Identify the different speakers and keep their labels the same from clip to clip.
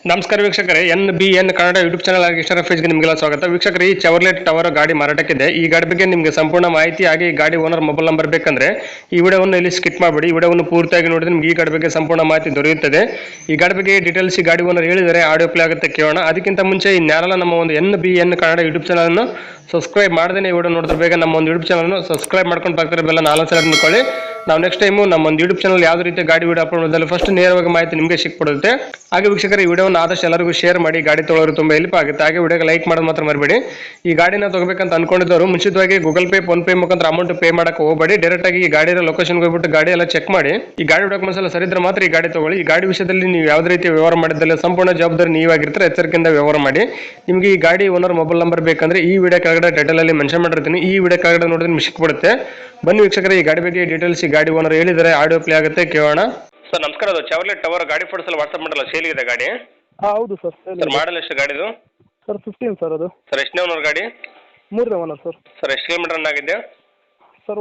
Speaker 1: ನಮಸ್ಕಾರ ವೀಕ್ಷಕರೇ, NBN Kannada YouTube channel ಆಗಿ ಇಷ್ಟರ ಫೇಜ್ಗೆ ನಿಮಗೆಲ್ಲ ಸ್ವಾಗತ. ವೀಕ್ಷಕರೇ, ಈ ಚೆವರ್ಲೆಟ್ ಟವರ್ ಗಾಡಿ ಮಾರಾಟಕ್ಕಿದೆ. ಈ ಗಾಡಿ ಬಗ್ಗೆ ನಿಮಗೆ ಸಂಪೂರ್ಣ ಮಾಹಿತಿ ಹಾಗೆ ಈ ಗಾಡಿ ಓನರ್ ಮೊಬೈಲ್ ನಂಬರ್ ಬೇಕಂದ್ರೆ ಈ ವಿಡಿಯೋವನ್ನು ಇಲ್ಲಿ ಸ್ಕಿಪ್ ಮಾಡಬೇಡಿ. ಈ ವಿಡಿಯೋವನ್ನು ಪೂರ್ತಿಯಾಗಿ ನೋಡಿದ್ರೆ ನಿಮಗೆ ಈ ಗಾಡಿ ಬಗ್ಗೆ ಸಂಪೂರ್ಣ ಮಾಹಿತಿ ದೊರೆಯುತ್ತದೆ. ಈ ಗಾಡಿ ಬಗ್ಗೆ ಡೀಟೇಲ್ಸ್ ಈ ಗಾಡಿ ಓನರ್ ಹೇಳಿದರೆ ಆಡಿಯೋ ಪ್ಲೇ ಆಗುತ್ತೆ, ಕೇಳೋಣ. ಅದಕ್ಕಿಂತ ಮುಂಚೆ ಇನ್ಯಾರಲ್ಲ ನಮ್ಮ ಒಂದು NBN ಕನ್ನಡ ಯೂಟ್ಯೂಬ್ ಚಾನಲ್ ಅನ್ನು ಸಬ್ಸ್ಕ್ರೈಬ್ ಮಾಡದೇ ಈ ವಿಡಿಯೋ ನೋಡಿದ್ರೆ ಬೇಗ ನಮ್ಮ ಒಂದು ಯೂಟ್ಯೂಬ್ ಚಾನಲ್ ಸಬ್ಸ್ಕ್ರೈಬ್ ಮಾಡ್ಕೊಂಡು ಬರ್ತಾರೆ, ಬೆಲ್ಲ 4 ಸಲ ಮಾಡ್ಕೊಳ್ಳಿ. ನಾವು ನೆಕ್ಸ್ಟ್ ಟೈಮು ನಮ್ಮ ಒಂದು ಯೂಟ್ಯೂಬ್ ಚಾನಲ್ ಯಾವುದೇ ರೀತಿ ಗಾಡಿ ವಿಡಿಯೋ ಅಪ್ಲೋಡ್ ಮಾಡಿದ್ರೆ ಫಸ್ಟ್ ನೇರವಾಗಿ ಮಾಹಿತಿ ನಿಮಗೆ ಸಿಕ್ಬಿಡುತ್ತೆ. ಹಾಗೆ ವೀಕ್ಷಕರು, ಈ ವಿಡಿಯೋನ ಆದಷ್ಟು ಎಲ್ಲರಿಗೂ ಶೇರ್ ಮಾಡಿ, ಗಾಡಿ ತೊಗೊಳ್ಳೋರು ತುಂಬ ಹೆಲ್ಪ್ ಆಗುತ್ತೆ. ಹಾಗೆ ವಿಡಿಯೋಗೆ ಲೈಕ್ ಮಾಡೋದು ಮಾತ್ರ ಮರಿಬೇಡಿ. ಈ ಗಾಡಿನ ತಗೋಬೇಕಂತ ಅನ್ಕೊಂಡಿದ್ದವರು ಮುಂಚಿತವಾಗಿ ಗೂಗಲ್ ಪೇ, ಫೋನ್ ಪೇ ಮುಖಾಂತರ ಅಮೌಂಟ್ ಪೇ ಮಾಡಕ್ಕೆ ಹೋಗಬೇಡಿ. ಡೈರೆಕ್ಟ್ ಆಗಿ ಈ ಗಾಡಿಯ ಲೊಕೇಶನ್ಗೆ ಹೋಗ್ಬಿಟ್ಟು ಗಾಡಿ ಎಲ್ಲ ಚೆಕ್ ಮಾಡಿ, ಈ ಗಾಡಿ ಡಾಕ್ಯುಮೆಂಟ್ಸ್ ಎಲ್ಲ ಸರಿ ಇದ್ರೆ ಮಾತ್ರ ಈ ಗಾಡಿ ತಗೊಳ್ಳಿ. ಈ ಗಾಡಿ ವಿಷಯದಲ್ಲಿ ನೀವು ಯಾವುದೇ ರೀತಿ ವ್ಯವಹಾರ ಮಾಡಿದ್ದಲ್ಲ ಸಂಪೂರ್ಣ ಜವಾಬ್ದಾರಿ ನೀವಾಗಿರ್ತಾರೆ, ಎಚ್ಚರಿಕೆಯಿಂದ ವ್ಯವಹಾರ ಮಾಡಿ. ನಿಮಗೆ ಈ ಗಾಡಿ ಓನರ್ ಮೊಬೈಲ್ ನಂಬರ್ ಬೇಕಂದ್ರೆ ಈ ವಿಡಿಯೋ ಕೆಳಗಡೆ ಟೈಟಲ್ ಅಲ್ಲಿ ಮೆನ್ಷನ್ ಮಾಡಿರ್ತೀನಿ, ಈ ವಿಡಿಯೋ ಕೆಳಗಡೆ ನೋಡಿದ್ರೆ ನಿಮಗೆ ಸಿಕ್ಬಿಡುತ್ತೆ. ಬನ್ನಿ ವೀಕ್ಷಕರೇ, ಈ ಗಾಡಿ ಬಗ್ಗೆ ಡೀಟೇಲ್ಸ್ ಈ ಗಾಡಿ ಓನರ್ ಹೇಳಿದರೆ ಆಡಿಯೋ ಪ್ಲೇ ಆಗುತ್ತೆ, ಕೇಳೋಣ. ಸರ್ ನಮಸ್ಕಾರ, ಅದು ಚೆವರ್ಲೆಟ್ ಟವರ್ ಗಾಡಿ ಫೋಟೋಸ್ ಎಲ್ಲ ವಾಟ್ಸ್ಆಪ್ ಮಾಡಲ್ಲ, ಸೇಲ್ ಇದೆ ಗಾಡಿ?
Speaker 2: ಹೌದು ಸರ್.
Speaker 1: ಸರ್ ಮಾಡಲ್ ಎಷ್ಟು ಗಾಡಿದು?
Speaker 2: Sir 15 sir. ಅದು
Speaker 1: ಸರ್ ಎಷ್ಟನೇ ಓನರ್ ಗಾಡಿ?
Speaker 2: 3ನೇ ಓನರ್ ಸರ್.
Speaker 1: ಸರ್ ಎಷ್ಟು ಕಿಲೋಮೀಟರ್ ರನ್ ಆಗಿದೆ?
Speaker 2: ಸರ್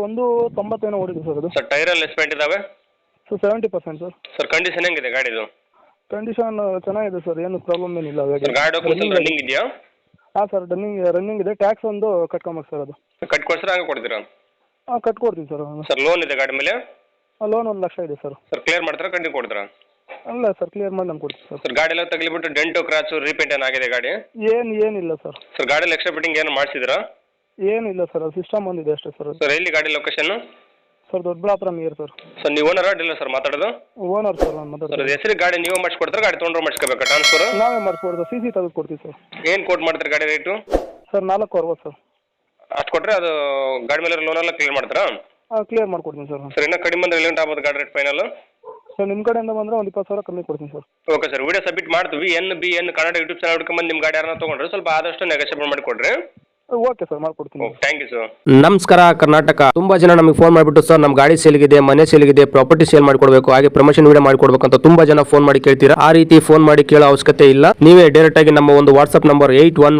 Speaker 2: 90 ಓಡಿದೆ ಸರ್. ಅದು
Speaker 1: ಸರ್ ಟೈರ್ ಎಲ್ಲ ಎಸ್ಪೆಂಟ್ ಇದಾವೆ?
Speaker 2: Sir 70% sir.
Speaker 1: ಸರ್ ಕಂಡೀಷನ್ ಹೆಂಗಿದೆ ಗಾಡಿದು?
Speaker 2: ಕಂಡೀಷನ್ ಚೆನ್ನಾಗಿದೆ ಸರ್, ಏನು ಪ್ರಾಬ್ಲಮ್ ಏನಿಲ್ಲ ಗಾಡಿ.
Speaker 1: ಗಾಡಿ ಡಾಕ್ಯುಮೆಂಟ್ಸ್ ರನ್ನಿಂಗ್ ಇದೆಯಾ?
Speaker 2: ಹಾಂ ಸರ್, ರನ್ನಿಂಗ್ ಇದೆ. ಟ್ಯಾಕ್ಸ್ ಒಂದು ಕಟ್ಕೊಂಬೇಕು ಸರ್. ಅದು
Speaker 1: ಕಟ್ಕೊಡ್ತೀರಾ ಹಂಗೆ ಕೊಡ್ತೀರಾ?
Speaker 2: ಹಾಂ ಕಟ್ಕೊಡ್ತೀವಿ ಸರ್.
Speaker 1: ಸರ್ ಲೋನ್ ಇದೆ ಗಾಡಿ ಮೇಲೆ?
Speaker 2: ಲೋನ್ 1 ಲಕ್ಷ ಇದೆ ಸರ್.
Speaker 1: ಸರ್ ಕ್ಲಿಯರ್ ಮಾಡ್ತೀರಾ ಕಂಟಿನ್ಯೂ ಕೊಡ್ತೀರಾ?
Speaker 2: ಅಲ್ಲ ಸರ್, ಕ್ಲಿಯರ್ ಮಾಡಿ ನಾನು ಕೊಡ್ತೀವಿ ಸರ್.
Speaker 1: ಸರ್ ಗಾಡಿ ಎಲ್ಲ ತಗಲಿಬಿಟ್ಟು ಡೆಂಟು ಕ್ರಾಚು ರೀಪೇಂಟ್ ಏನಾಗಿದೆ ಗಾಡಿ?
Speaker 2: ಏನಿಲ್ಲ ಸರ್.
Speaker 1: ಸರ್ ಗಾಡಿಯಲ್ಲಿ ಎಕ್ಸ್ಟ್ರಾ ಫಿಟ್ಟಿಂಗ್ ಏನು ಮಾಡಿಸಿದ್ರಾ?
Speaker 2: ಏನಿಲ್ಲ ಸರ್, ಅದು ಸಿಸ್ಟಮ್ ಒಂದಿದೆ ಅಷ್ಟೇ ಸರ್.
Speaker 1: ಸರ್ ಎಲ್ಲಿ ಗಾಡಿ location?
Speaker 2: Sir Doddaballapur near sir.
Speaker 1: Sir ನೀವು ಓನರ್ ಇಲ್ಲ ಸರ್ ಮಾತಾಡೋದು?
Speaker 2: ಓನರ್ ಸರ್ ನಾನು
Speaker 1: ಸರ್
Speaker 2: ಮಾತಾಡ್ತೀನಿ.
Speaker 1: ಹೆಸರು ಗಾಡಿ ನೀವು ಮಾಡಿಸ್ಕೊಡ್ತಾರೆ, ಗಾಡಿ ತೊಗೊಂಡ್ರೆ ಮಾಡಿಸ್ಕೋಬೇಕಾ ಟ್ರಾನ್ಸ್ಫರ್?
Speaker 2: ನಾವೇ ಮಾಡಿಸ್ಕೊಡ್ತೀವಿ, CC ತೆಗೆದು ಕೊಡ್ತೀವಿ ಸರ್.
Speaker 1: ಏನು ಕೋಟ್ ಮಾಡ್ತೀರಿ ಗಾಡಿ ರೇಟು?
Speaker 2: Sir 460 sir.
Speaker 1: ಅಷ್ಟು ಕೊಟ್ಟರೆ ಅದು ಗಾಡಿ ಮೇಲೆ ಲೋನ್ ಎಲ್ಲ ಕ್ಲಿಯರ್ ಮಾಡ್ತಾರಾ?
Speaker 2: ಹಾಂ ಕ್ಲಿಯರ್ ಮಾಡ್ಕೊಡ್ತೀನಿ ಸರ್.
Speaker 1: ಸರ್ ಇನ್ನೂ ಕಡಿಮೆ ಬಂದರೆ ಎಲ್ಲಿ ಆಗ್ಬೋದು ಗಾಡಿ ರೇಟ್ ಫೈನಲ್?
Speaker 2: ಸರ್ ನಿಮ್ಮ ಕಡೆಯಿಂದ ಬಂದರೆ ಒಂದು 20,000 ಕಮ್ಮಿ ಕೊಡ್ತೀನಿ sir.
Speaker 1: Okay sir, video submit ಮಾಡ್ತೀವಿ. NBN ಕನ್ನಡ ಯೂಟ್ಯೂಬ್ ಚಾನಲ್ ಹುಡ್ಕೊಂಬಂದು ನಿಮ್ಮ ಗಾಡಿ ಯಾರನ್ನ ತೊಗೊಂಡ್ರೆ ಸ್ವಲ್ಪ ಆದಷ್ಟು ನೆಗೋಷಿಯೇಟ್ ಮಾಡಿಕೊಡ್ರಿ.
Speaker 2: ಓಕೆ ಸರ್, ಮಾಡ್ಕೊಡ್ತೀನಿ.
Speaker 1: Thank you sir.
Speaker 3: ನಮಸ್ಕಾರ ಕರ್ನಾಟಕ. ತುಂಬಾ ಜನ ನಮಗೆ ಫೋನ್ ಮಾಡಿಬಿಟ್ಟು ಸರ್ ನಮ್ಮ ಗಾಡಿ ಸೇಲ್ಗಿದೆ, ಮನೆ ಸೇಲ್ಗಿದೆ, ಪ್ರಾಪರ್ಟಿ ಸೇಲ್ ಮಾಡ್ಕೊಡ್ಬೇಕು, ಹಾಗೆ ಪ್ರಮೋಷನ್ ವಿಡಿಯೋ ಮಾಡ್ಕೊಡ್ಬೇಕು ಅಂತ ತುಂಬಾ ಜನ ಫೋನ್ ಮಾಡಿ ಕೇಳ್ತೀರಾ. ಆ ರೀತಿ ಫೋನ್ ಮಾಡಿ ಕೇಳೋ ಅವಶ್ಯಕತೆ ಇಲ್ಲ. ನೀವೇ ಡೈರೆಕ್ಟ್ ಆಗಿ ನಮ್ಮ ಒಂದು ವಾಟ್ಸ್ಆಪ್ ನಂಬರ್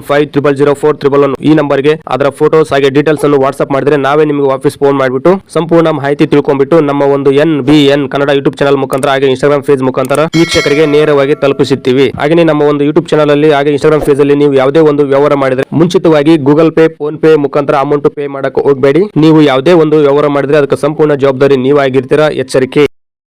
Speaker 3: 81500411 ಈ ನಂಬರ್ಗೆ ಅದರ ಫೋಟೋಸ್ ಹಾಗೆ ಡೀಟೇಲ್ಸ್ ಅನ್ನು ವಾಟ್ಸ್ಆಪ್ ಮಾಡಿದ್ರೆ ನಾವೇ ನಿಮಗೆ ವಾಪಸ್ ಫೋನ್ ಮಾಡಿಬಿಟ್ಟು ಸಂಪೂರ್ಣ ಮಾಹಿತಿ ತಿಳ್ಕೊಂಡ್ಬಿಟ್ಟು ನಮ್ಮ ಒಂದು NBN ಕನ್ನಡ ಯೂಟ್ಯೂಬ್ ಚಾನಲ್ ಮುಖಾಂತರ ಹಾಗೆ ಇನ್ಸ್ಟಾಗ್ರಾಮ್ ಪೇಜ್ ಮುಖಾಂತರ ವೀಕ್ಷಕರಿಗೆ ನೇರವಾಗಿ ತಲುಪಿಸುತ್ತೀವಿ. ಹಾಗೆ ನಮ್ಮ ಒಂದು ಯೂಟ್ಯೂಬ್ ಚಾನಲ್ ಅಲ್ಲಿ ಹಾಗೆ ಇನ್ಸ್ಟಾಗ್ರಾಮ್ ಪೇಜ್ ಅಲ್ಲಿ ನೀವು ಯಾವುದೇ ಒಂದು ವ್ಯವಹಾರ ಮಾಡಿದ್ರೆ ಮುಂಚಿತವಾಗಿ ಗೂಗಲ್ ಪೇ, ಫೋನ್ ಪೇ ಮುಖಾಂತರ ಅಮೌಂಟ್ ಪೇ ಮಾಡಕ್ಕೆ ಹೋಗಬೇಡಿ. ನೀವು ಯಾವುದೇ ಒಂದು ವ್ಯವಹಾರ ಮಾಡಿದ್ರೆ ಅದಕ್ಕೆ ಸಂಪೂರ್ಣ ಜವಾಬ್ದಾರಿ ನೀವಾಗಿರ್ತೀರಾ, ಎಚ್ಚರಿಕೆ.